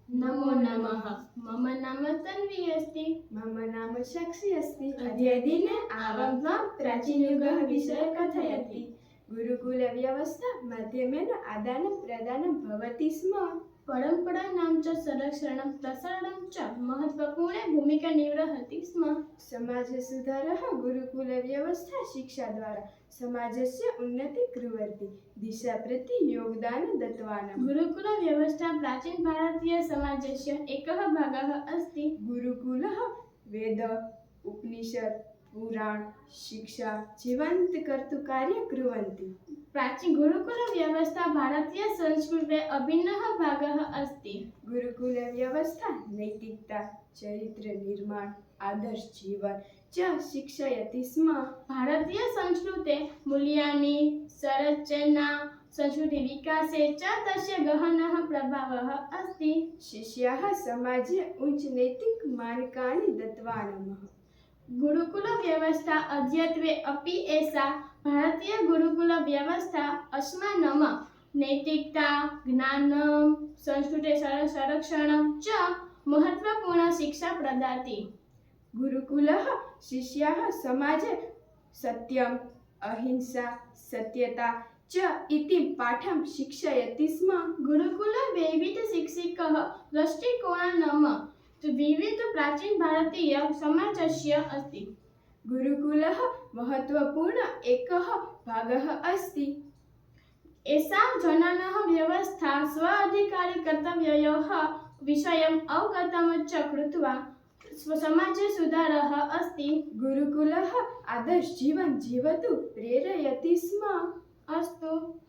नमो नमः। मम नाम तन्वी अस्ति। मम नाम साक्षी अस्ति। अद्य दिने आरब्ध्वा प्राचीनयुगः विषये कथयति। गुरुकुलव्यवस्था माध्यमेन आदानप्रदानं भवति स्म। परम्पराणां च संरक्षणं प्रसारणं च महत्त्वपूर्णे भूमिका निर्वहति स्म। समाजसुधारः गुरुकुलव्यवस्था शिक्षाद्वारा समाजस्य उन्नतिं कुर्वन्ति। दिशा प्रति योगदानं दत्तवान्। गुरुकुलव्यवस्था प्राचीनभारतीयसमाजस्य एकः भागः अस्ति। गुरुकुलः वेद उपनिषद पुराण शिक्षा जीवन्तं कार्यं कुर्वन्ति। गुरुकुलव्यवस्था भारतीयसंस्कृतेः अभिन्नः भागः अस्ति। गुरुकुलव्यवस्था नैतिकता चरित्रनिर्माण आदर्श जीवन च शिक्षयति स्म। भारतीयसंस्कृतेः मूल्यानि संरचना संस्कृतिविकासे च तस्य गहनः प्रभावः अस्ति। शिष्याः समाजे उच्चनैतिकमानकानि दत्तवान्। गुरुकुलव्यवस्था अद्यत्वे अपि एषा भारतीयगुरुकुलव्यवस्था अस्मान् नैतिकता ज्ञानं संस्कृतेः संरक्षणं च महत्त्वपूर्णा शिक्षा प्रददाति। गुरुकुलः शिष्याः समाजे सत्यम् अहिंसा सत्यता च इति पाठं शिक्षयति स्म। गुरुकुले वैविध्यशिक्षकः दृष्टिकोणः विविध प्राचीन भारतीय समाजस्य अस्ति। गुरुकुलः महत्त्वपूर्ण एकः भागः अस्ति। एषा जनानां व्यवस्था स्व अधिकारकर्तव्ययोः विषयम् अवगतं च कृत्वा समाजे सुधारः अस्ति। गुरुकुलः आदर्श जीवन जीवतु प्रेरयति स्म। अस्तु।